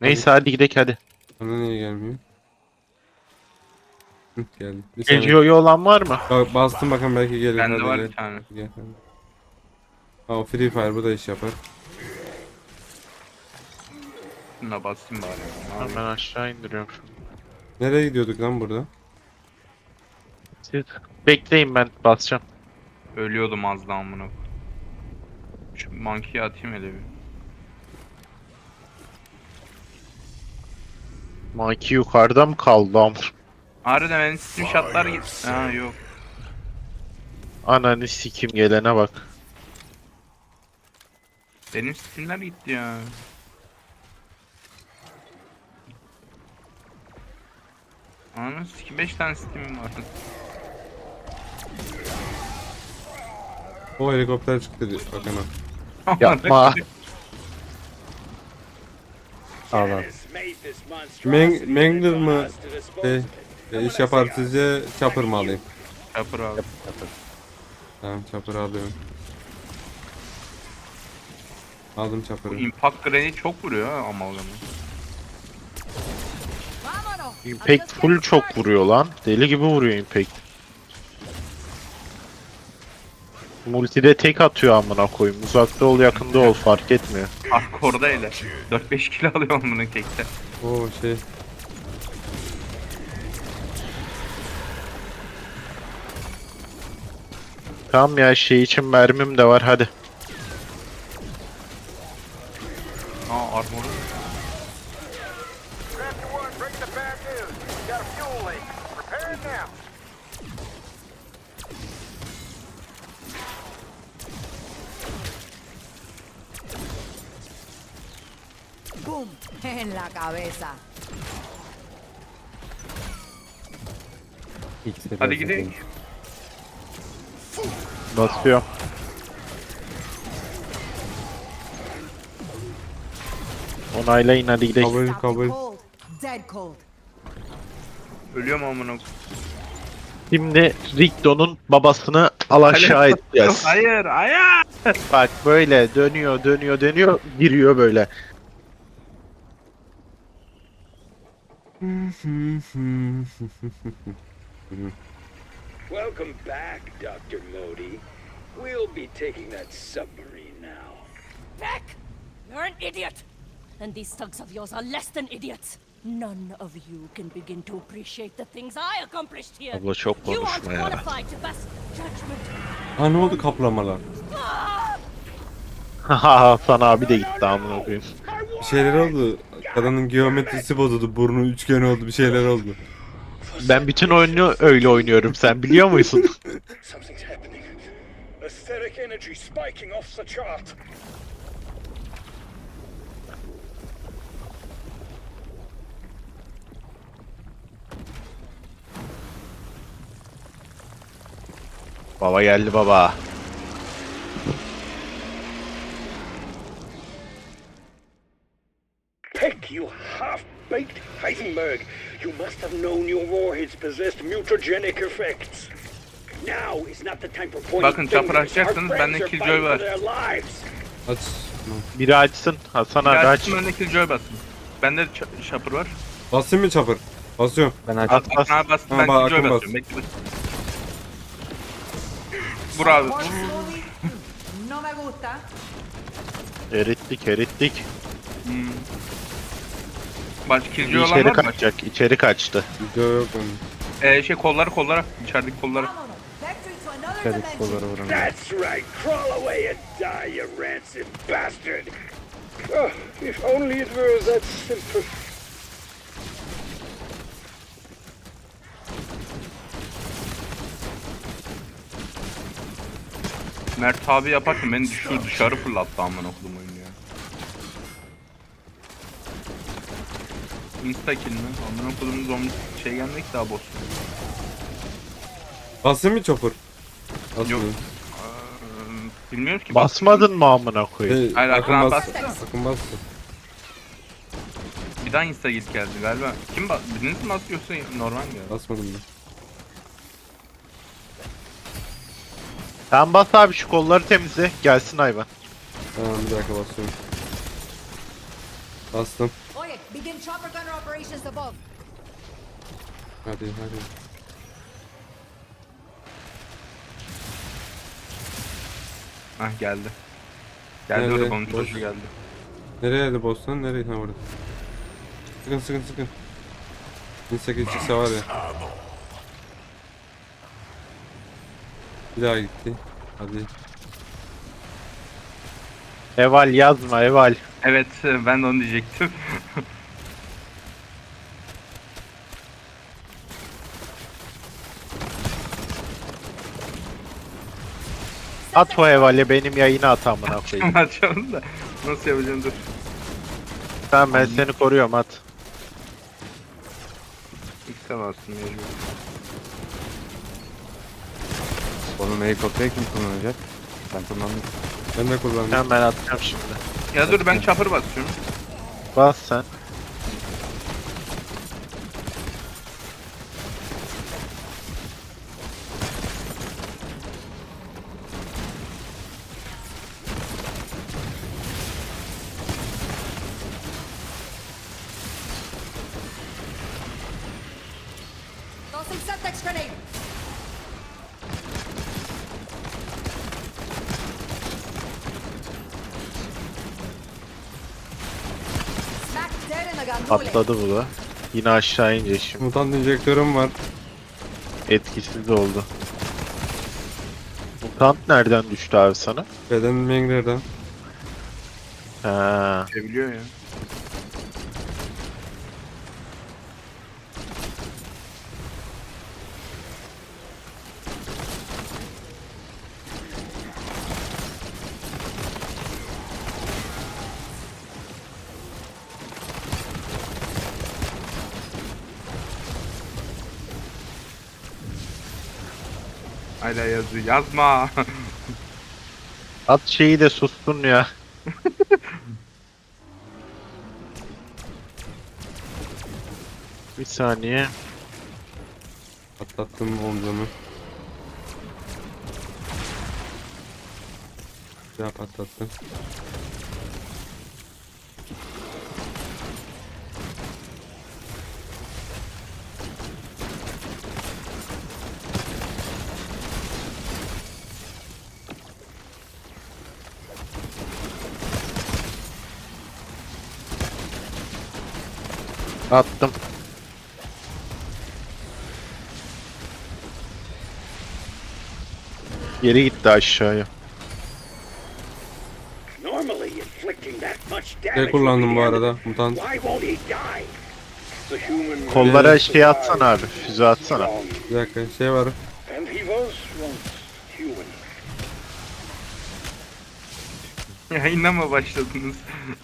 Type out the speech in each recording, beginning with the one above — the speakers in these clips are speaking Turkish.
Neyse hadi gidelim hadi. Bana niye gelmiyor? Hı, geldi. Bir saniye. Geliyor olan var mı? Bastım bakın belki gelir. Bende Hadi var gel. bir tane. Gel. Aa, Free Fire bu da iş yapar. Şuna basayım bari. Ne Ben yapayım? aşağı indiriyorum şunu. Nereye gidiyorduk lan burada? Siz bekleyin ben basacağım. Ölüyordum az daha amına. Şu monkey'i atayım hele bir. Maki yukarıda mı kaldı am? Harbiden benim Steam shotlar git. Ha yok. Ananı sikim gelene bak. Benim Steam'ler gitti ya. Ananı sikim 5 tane Steam'im var. O helikopter çıktı diyor. Bakın ha. Yapma. Allah. Mangler mı iş yapar sizce chopper mı alayım? Chopper abi. Tamam chopper alıyorum. Aldım Bu chopper'ı. impact grenade çok vuruyor ha amalgamı. Impact full çok vuruyor lan. Deli gibi vuruyor Impact. Multide tek atıyor amına koyayım. Uzakta ol yakında ol fark etmiyor. Hardcore'da hele. 4-5 kilo alıyor bunu tekte. Oo şey. Tamam ya şey için mermim de var hadi. Aa armor. Raptor 1, bringing the bad news. You got a fuel leak. Repair it now. ¡Pum! En la cabeza. Hadi gidelim. Basıyor. Onaylayın hadi gidelim. Kabul Stop kabul. cold. Dead cold. Ölüyorum amına. Şimdi Rigdo'nun babasını al aşağı edeceğiz. Hayır, hayır. Bak böyle dönüyor dönüyor dönüyor giriyor böyle. Welcome back, Dr. Modi. We'll be taking that submarine now. Beck! You're an idiot! And these thugs of yours are less than idiots. None of you can begin to appreciate the things I accomplished here. Abla çok You aren't konuşma ya. qualified to pass judgment. Ha ne oldu kaplamalar? Haha Hasan abi de gitti amına koyayım. Bir şeyler oldu. Kadının geometrisi bozuldu. Burnu üçgen oldu. Bir şeyler oldu. Ben bütün oyunu öyle oynuyorum sen biliyor musun? Something's happening. Aesthetic energy spiking off the chart. Baba geldi baba. Peck, you half-baked Heisenberg. You must have known your warheads possessed mutagenic effects. Now is not the time for pointing Bakın, çapır fingers. Our açacaksınız, friends bende are Killjoy fighting var. for their lives. Aç. Biri açsın Hasan abi aç. Gerçekten öndeki Joy basın. Bende de Chopper var. Basayım mı chopper? Basıyorum. Bas bas. Ha bas, Ha, ben bak, Killjoy akın bas. basıyorum. Bekle. Vur abi. More slowly. No me gusta. Erittik erittik. Başka Killjoy olan İçeri var mı? kaçacak içeri kaçtı. Video yok onun. Şey kollara. İçerideki kollara. Vámonos. Back to another Dikkat et kollara dimension. vuramıyor. That's right. Crawl away and die, you rancid bastard. Oh, if only it were that simple. Mert abi yaparken beni dışarı fırlattı amına koydum oyunu ya. Insta kill mi? Amına koydum zombi şey gelmek daha boss. Basayım mı chopper? Yok. Basmıyorum. Bilmiyorum ki. Basmadın mı amına koyayım? Hayır, Akın aklıma bastı. bastı. Akın bastı. Bir daha insta git geldi galiba. Kim biriniz mi bastı yoksa normal mi ya? Basmadım ben. Sen bas abi şu kolları temizle gelsin hayvan. Tamam bir dakika basıyorum. Bastım. Oye, Begin chopper gunner operations above. Hadi hadi. Hah geldi. Geldi Nerede? orada bunun Boş. çocuğu geldi. Nereye de boss'tan? Nereye? Ha orada. Sıkın sıkın sıkın. 1800 çıksa var ya. Bir daha gitti. Hadi. Eval yazma Eval. Evet ben de onu diyecektim. At o Eval'i benim yayına at amına koyayım. Açalım da nasıl yapacağım dur. Tamam ben seni koruyorum at. X'e bastım mecbur. Onun helikopteri kim kullanacak? Ben kullandım. Ben de kullandım. Tamam ben atacağım şimdi. Ya dur ben chopper basıyorum. Bas sen. Tossing Semtex grenade. Smack dead in the gandule. Patladı bu da. Yine aşağı ince şimdi. Mutant enjektörüm var. Etkisiz oldu. Mutant nereden düştü abi sana? Beden Mengler'den. Ha. Biliyor ya. Hala yazıyor. Yazma. At şeyi de sustun ya. Bir saniye. Atlattım omzumu. Ya patlattım. Attım. Geri gitti aşağıya. Normally, inflicting that much damage Ne would kullandım be bu the end of arada? Mutant. Why won't he die? The human Kollara will şey atsana abi. Füze atsana. strong, Bir dakika şey var. and he was once human. Yayına mı başladınız?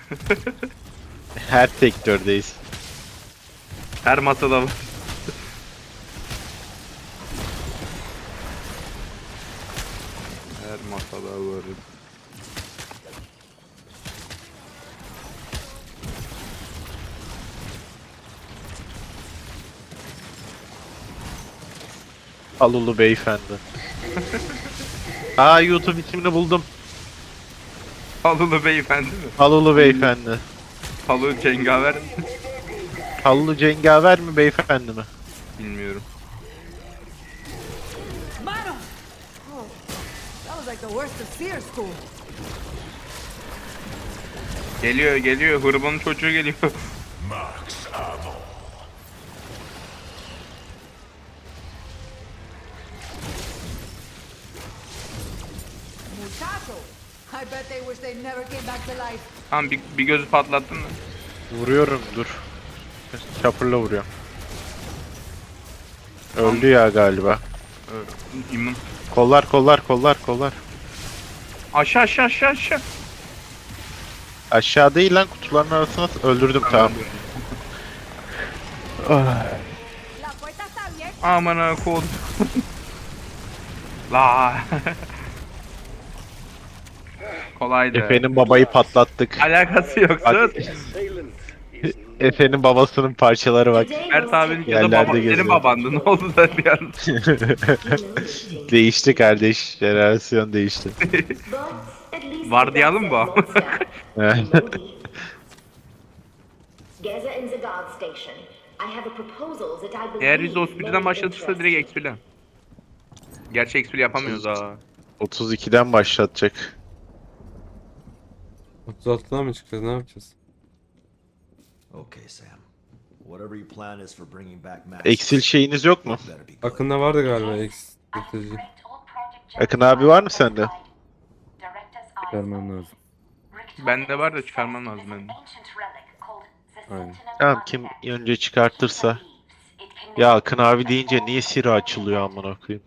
Her sektördeyiz. Her masada var. Her masada var. Alulu beyefendi. Aa YouTube ismini buldum. Halulu beyefendi mi? Alulu beyefendi. Halı cengaver mi? Alulu cengaver mi beyefendi mi? Bilmiyorum. Mano! Oh, that was like the worst of Seer School. Geliyor geliyor. Hırbanın çocuğu geliyor. Muchacho! I bet they wish they never came back to life. Tamam bir gözü patlattın mı? Vuruyorum dur. Chopper'la vuruyorum. Öldü ya galiba. İmmun. Kollar kollar kollar kollar. Aşağı aşağı aşağı aşağı. Aşağı değil lan kutuların arasına öldürdüm tamam. Ah, La puerta está abierta. Amına kod. La. Kolaydı. Efe'nin babayı patlattık. Alakası yok. Sus. Assailant is Efe'nin babasının parçaları bak. Mert abinin ya da Yerlerde baba, geziyor. senin babandı. Ne oldu da bir an? Değişti kardeş. Jenerasyon değişti. Vardiyalı mı bu? Geza in the guard station. I have a proposal that I believe Eğer biz o spirden may başlatırsa interest direkt you. expil'den. Gerçi expil yapamıyoruz ha. 32'den başlatacak. 36'dan mı çıkacağız? Ne yapacağız? Okay, Sam. Whatever your plan is for bringing back Max. Eksil şeyiniz yok mu? better be good. Akında vardı galiba eksiltici. Akın abi var mı sende? Vermem lazım. Bende var da çıkarmam lazım benim. Aynen. Tamam, kim önce çıkartırsa. Ya Akın abi deyince niye Siri açılıyor amına koyayım?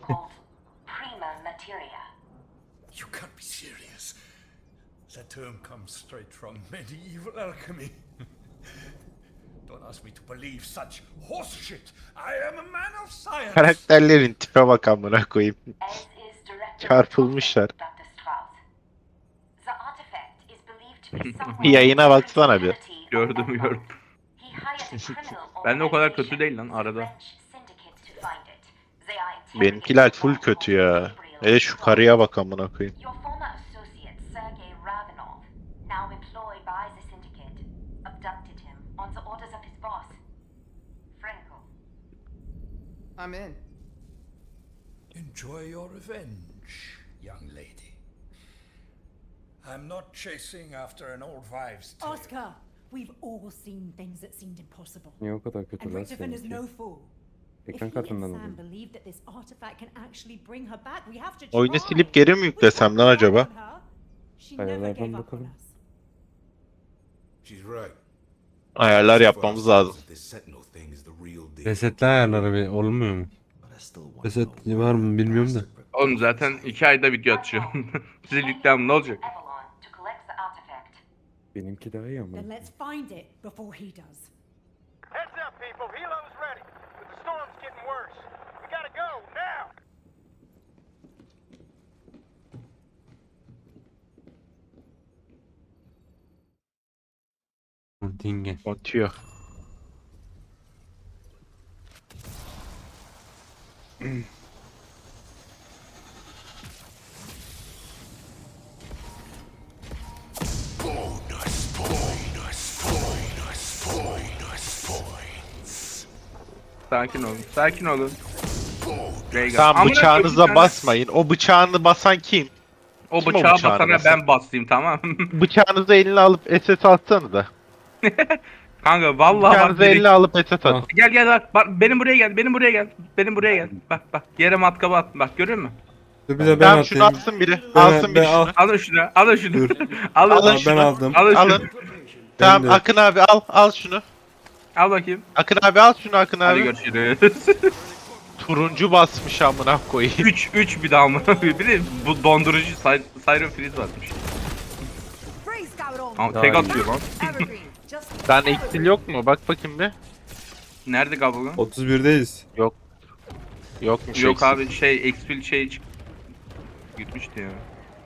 You can't be serious. That term comes straight from medieval alchemy. Don't ask me to believe such horse shit. I am a man of science. Karakterlerin tipe bak amına koyayım. Çarpılmışlar. Yayına baksana bir. Gördüm. Ben de o kadar kötü değil lan arada. Benimkiler full kötü ya. Şu karıya bak amına koyayım. Your former associate, Sergei Ravenov, now employed by the Syndicate, abducted him on the orders of his boss, Franco. I'm in. Enjoy your revenge, young lady. I'm not chasing after an old wives' tale. Oscar, we've all seen things that seemed impossible. Niye o kadar kötü And lan Richtofen is seninki? no fool. If Ekran he kartından and Sam alayım. believe that this artifact can actually bring her back, we have to Oyunu try. silip geri mi yüklesem lan acaba? She never Ayarlardan gave up on bakalım. us. She's right. Ayarlar yapmamız lazım. This Sentinel thing is the real deal. Resetle ayarları bir olmuyor mu? But I still want to Reset know var mı bilmiyorum da. Oğlum zaten 2 ayda video atacağım. Size yüklemem ne olacak? Avalon to collect the artifact. Benimki daha iyi ama. Then let's find it before he does. Heads up, people. Helo's ready. But the storm's getting worse. We gotta go now. Dinge. Atıyor. Sakin olun. Sakin olun. Raygun. Tamam, Amına bıçağınıza koyayım, basmayın. O bıçağını basan kim? O Kim o bıçağı bıçağını basana basan? ben basayım tamam. Bıçağınızı eline alıp SS atsanıza. Kanka vallahi bak Bıçağınızı direkt- eline alıp SS Tamam. atın. Gel bak benim buraya gel benim buraya gel bak yere matkabı at bak görüyor musun? Dur bir de ben Tamam, şunu atayım. atsın biri. Ben- Alsın biri ben al. şunu. Alın şunu alın şunu alın Alın Ben şunu. aldım. alın Alın. şunu Tamam de. Akın abi al şunu. al bakayım. Akın abi al şunu Akın Hadi abi. görüşürüz. Turuncu basmış amına koyayım. 3 bir daha mı? Bir de bu dondurucu Siren Freeze basmış. Freeze got it all. Ama tek Daha atıyor lan. Evergreen. Just Sen eksil yok mu? Bak bakayım bir. Nerede Gabugan? 31'deyiz. Yokmuş Yok eksil. abi şey expil şey gitmişti ya.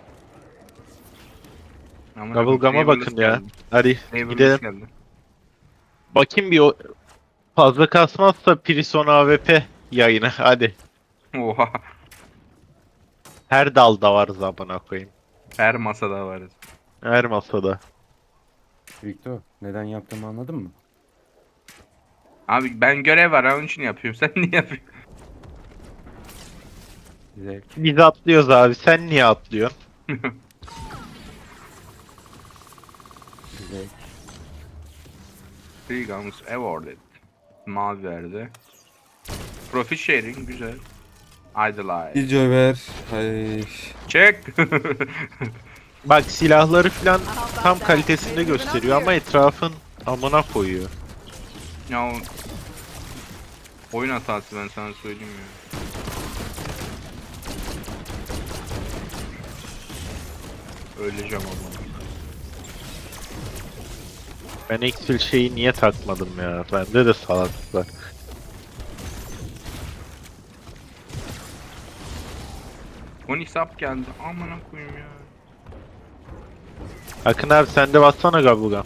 Aman Bubblegum'a Ravenous bakın ya. geldi. Hadi Ravenous gidelim. geldi. Bakayım bir o fazla kasmazsa Prison AWP yayını. Hadi. Oha. Her dalda varız amına koyayım. Her masada varız. Her masada. Victor, neden yaptığımı anladın mı? Abi ben görev var onun için yapıyorum. Sen niye yapıyorsun? Zevk. Biz atlıyoruz abi. Sen niye atlıyorsun? Zevk. Three guns awarded. Mavi verdi. Profit sharing güzel. Idolize. Video ver. Ay. Check. Bak silahları falan tam kalitesinde gösteriyor ama etrafın amına koyuyor. Ya oyun hatası ben sana söyleyeyim ya. Öleceğim ama. Ben eksil şeyi niye takmadım ya? Bende de salaklık var. Onyx up geldi. Amına koyayım ya. Akın abi sen de bassana Gabugan.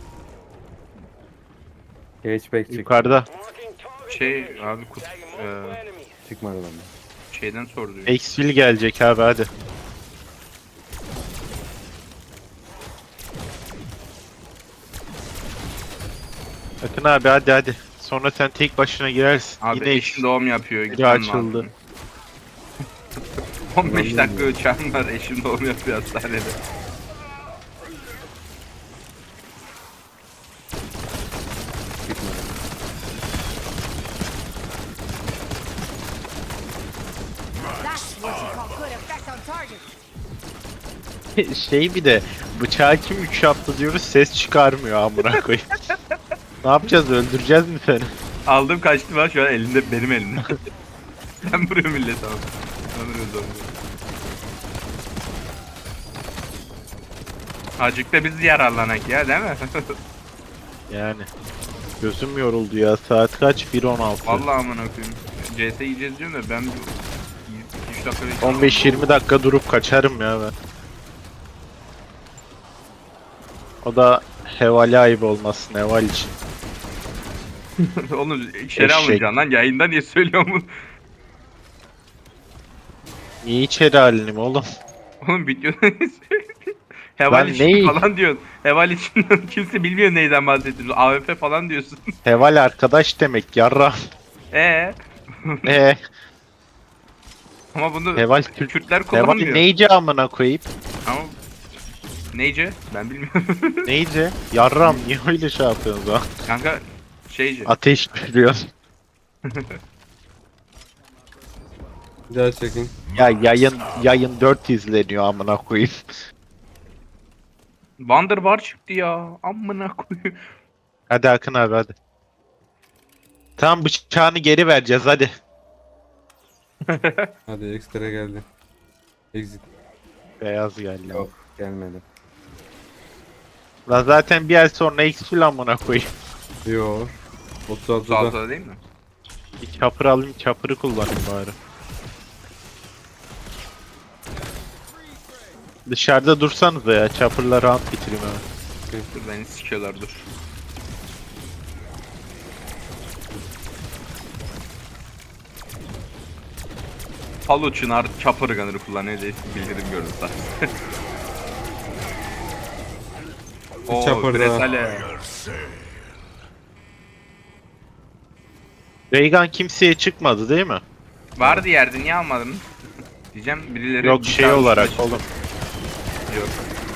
Hatchback çık. Yukarıda. Şey abi Çıkmadı bende. şeyden sordu. Exfil gelecek abi hadi. Akın Akın abi hadi. Sonra sen tek başına girersin. Abi Yine eşim doğum yapıyor. biri Gitmem açıldı. lazım. 15 dakika uçağım var. Eşim doğum yapıyor hastanede. That's what you call good effect on target. Şey bir de bıçağı kim 3 yaptı diyoruz ses çıkarmıyor amına koyayım. Ne yapacağız, öldüreceğiz mi seni? Aldım kaçtım ha, şu an elinde, benim elimde. Ben vuruyorum millet abi. Ben vuruyorum zombi. Azıcık da biz yararlanak ya, değil mi? Yani gözüm yoruldu ya, saat kaç? 1:16. Vallahi amına koyayım. CS yiyeceğiz diyorum da ben 3 dakika bekliyorum. 15-20 dakika durup kaçarım ya ben. O da hevali ayıp olmasın heval için. Oğlum içeri Eşek. almayacaksın lan, yayında niye söylüyorsun bunu? Niye içeri halim oğlum? Oğlum videoda niye söylüyorsun? Heval Ben için neyi- falan diyorsun. Heval için kimse bilmiyor neyden bahsettiğini. AWP falan diyorsun. Heval arkadaş demek yarra. Ama bunu Heval Kürtler Heval kullanmıyor. neyce amına koyayım? Ama neyce? Ben bilmiyorum. Neyce? Yarram niye öyle şey yapıyorsun lan? Kanka şeyce. Ateş veriyor. Bir daha çekin. Ya yayın 4 izleniyor amına koyayım. Wonderbar çıktı ya. Amına koyayım. Hadi Akın abi hadi. Tamam bıçağını geri vereceğiz hadi. Hadi ekstra geldi. Exit. Beyaz geldi. Yok gelmedi. Lan zaten bir ay sonra X amına koyayım. Yo. 36'da. 36'da değil mi? Bir çapır alayım, çapırı kullanayım bari. Dışarıda dursanız ya, çapırla round bitireyim hemen. Dur beni sikiyorlar, dur. Halo Çınar Chopper Gunner'ı kullanıyor diye bildirim gördüm zaten. Oo, Chopper da. Bresale. Raygun kimseye çıkmadı değil mi? Vardı yerde, niye almadın? Diyeceğim birileri... Yok bir şey tane olarak üstüne oğlum. Yok.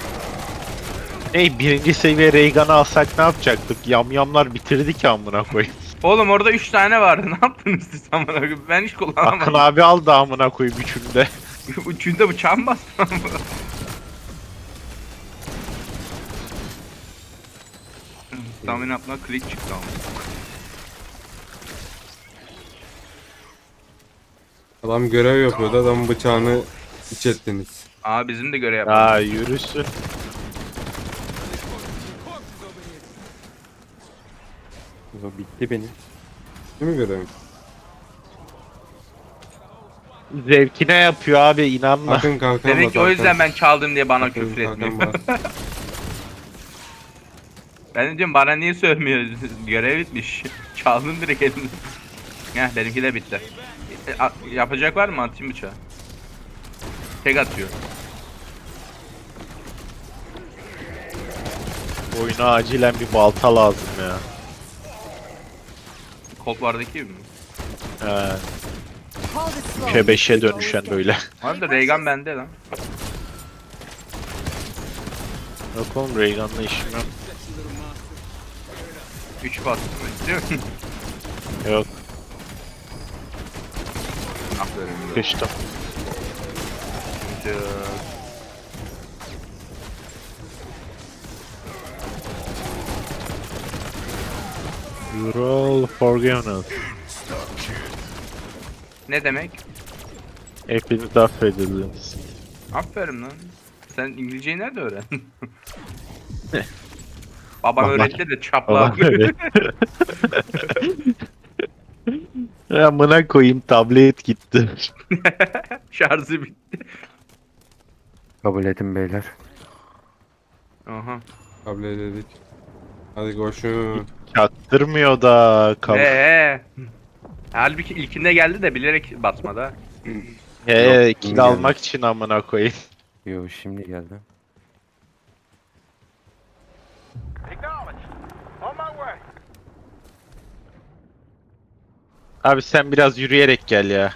Hey birinci seviye Raygun'ı alsak ne yapacaktık? Yamyamlar bitirdi ki amına koyayım. Oğlum orada 3 tane vardı, ne yaptınız siz amına koyayım? Ben hiç Akın kullanamadım. abi aldı amına koyayım üçünde. Üçünde bıçağım bastı ama. Tahmin yapma, klik çıktı ama. Adam görev yapıyordu. Adamın bıçağını iç ettiniz. Aa bizim de görev yapalım. Ya yürüsün. O bitti benim. Değil mi görevim? Zevkine yapıyor abi inanma. Akın kalkan Demek bas, ki o yüzden Hakan. ben çaldım diye bana Akın küfür kalkan etmiyor. bas. Ben de diyorum bana niye sövmüyor? Görev bitmiş. Çaldım direkt elimden. Heh benimki de bitti. Yapacak var mı? Atayım bıçağı. Tek atıyor. Oyuna acilen bir balta lazım ya. Cold War'daki gibi mi? He. Hold it slow. 3'e 5'e dönüşen böyle. Abi Raygun bende lan. Yok oğlum Raygun'la işim yok. 3 bastım istiyor musun? Yok Aferin. kıştım. You're all forgiven. Ne demek? Hepiniz affedildiniz. Aferin lan. Sen İngilizceyi nerede öğrendin? Babam Babam- öğretti de çapla. Babam öyle. Ya amına koyayım tablet gitti. Şarjı bitti. Kabul edin beyler. Aha. Kabul ededik. Hadi koşun. Çattırmıyor da Halbuki ilkinde geldi de bilerek basmadı ha. Yok, kill geldi. almak için amına koyayım. Yo şimdi geldi. Acknowledged. On my way. Abi sen biraz yürüyerek gel ya.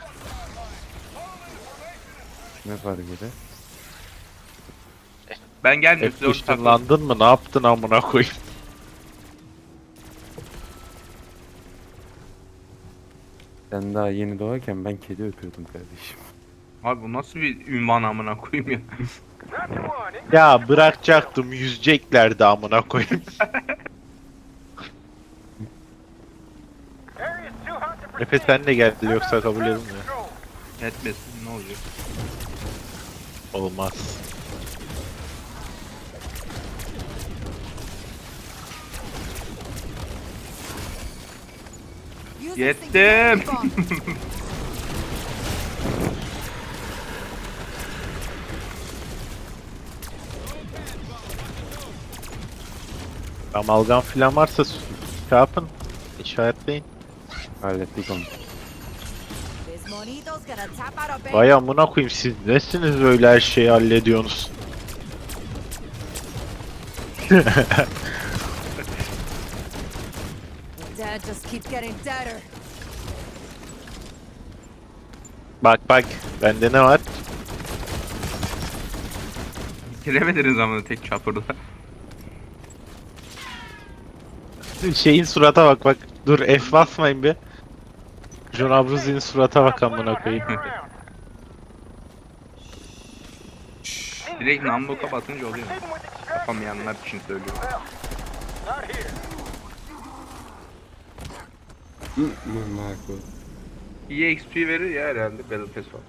Ne fark eder? Ben gelmiyorum. Siz Hep orada takılın. ışınlandın mı? Ne yaptın amına koyayım? Sen daha yeni doğarken ben kedi öpüyordum kardeşim. Abi bu nasıl bir ünvan amına koyayım ya. Roger one. Ya bırakacaktım yüzeceklerdi amına koyayım. Area is too hot to Efe proceed. sen de geldi yoksa kabul Ground edilmiyor. control. Etmesin ne olacak? Olmaz. Use this Yettim. singularity bomb. Amalgam filan varsa şey yapın. İşaretleyin. Hallettik onu. This monito's gonna tap out a bank. Vay amına koyayım siz nesiniz böyle her şeyi hallediyorsunuz? Dad just keeps getting deader. Bak bak bende ne var? Giremediniz ama tek çapurda. Şeyin surata bak bak. Dur F basmayın bir. John Abruzzi'nin surata bak amına koyayım. Hang around. Direkt namlu kapatınca oluyor. Proceeding with extraction. Yapamayanlar için söylüyorum. Well, not here. Marco. İyi XP verir ya herhalde Battle Pass var.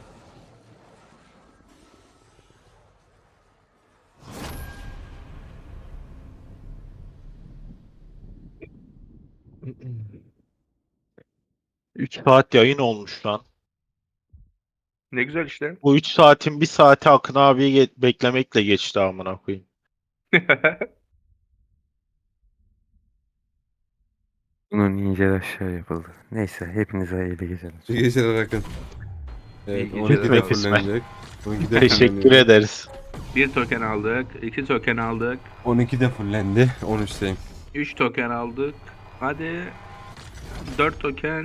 Üç saat yayın olmuş lan. Ne güzel işte. Bu 3 saatin 1 saati Akın abiyi beklemekle geçti amına koyayım. Bunun ince aşağı yapıldı. Neyse hepinize hayırlı geceler. İyi geceler Akın. Evet, İyi 12'de geceler. fullenecek. 12'de Teşekkür fullenecek. ederiz. Bir token aldık, 2 token aldık, 12'de fullendi. 13'teyim. 3 token aldık. Hadi 4 token,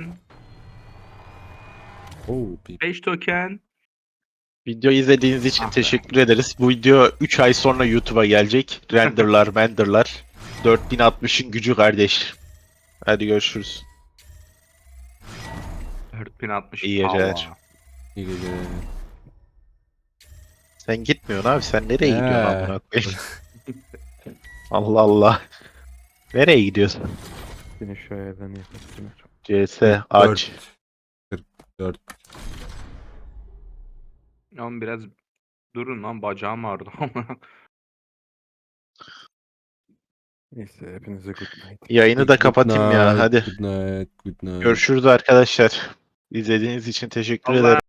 Oo, 5 token. Video izlediğiniz için Ah be. teşekkür ederiz. Bu video 3 ay sonra YouTube'a gelecek. Renderlar. 4060'ın gücü kardeş. Hadi görüşürüz. 4060. İyi geceler. Allah. iyi geceler. Sen gitmiyorsun abi. Sen nereye gidiyorsun He. amına koyayım? Allah Allah. Nereye gidiyorsun? Yine şu ayarlarını yapalım. CS aç. 44. Oğlum biraz durun lan bacağım ağrıdı. Neyse hepinize good night. Yayını da kapatayım ya. Hadi. Good night. Good night. Görüşürüz arkadaşlar. İzlediğiniz için teşekkür Allah ederim.